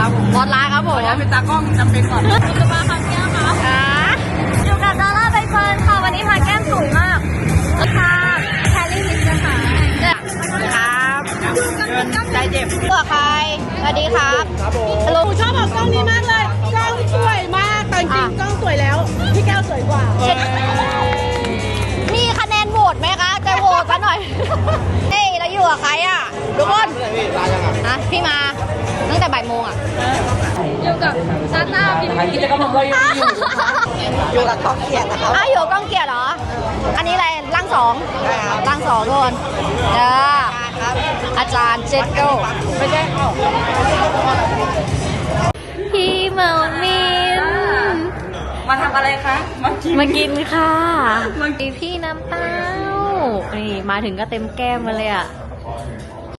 ครับผมบอสลาครับผมขออนุญาตเป็นตากล้องจำเป็นก่อนจะมาค่ะแก้มค่ะอยู่กับดาราใบเฟิร์นค่ะวันนี้พาแก้มสวยมากค่ะแคลรี่ลิสค่ะครับใจเจ็บเผื่อใครสวัสดีครับครับผมฮัลโหลชอบเอากล้องนี้มากเลย กล้องสวยมากแต่จริงๆกล้องสวยแล้ว พี่แก้วสวยกว่ามีคะแนนโหวตไหมคะจะโหวตซะหน่อย เฮ้ยเราอยู่กับใครอ่ะทุกคนอ่ะพี่มาตั้งแต่บ่ายโมงอ่ะอยู่กับซาต้าพี่กิจกรรมของเรายังมีอยู่อยู่กับกล้องเกียร์นะครับอ้าวอยู่กับกล้องเกียร์เหรอ อันนี้อะไรร่างสองร่างสองทุกคนอาจารย์เจดโก้ไม่ใช่พี่เมามินมาทำอะไรคะมากินมากินค่ะพี่น้ำเต้านี่มาถึงก็เต็มแก้มมาเลยอ่ะ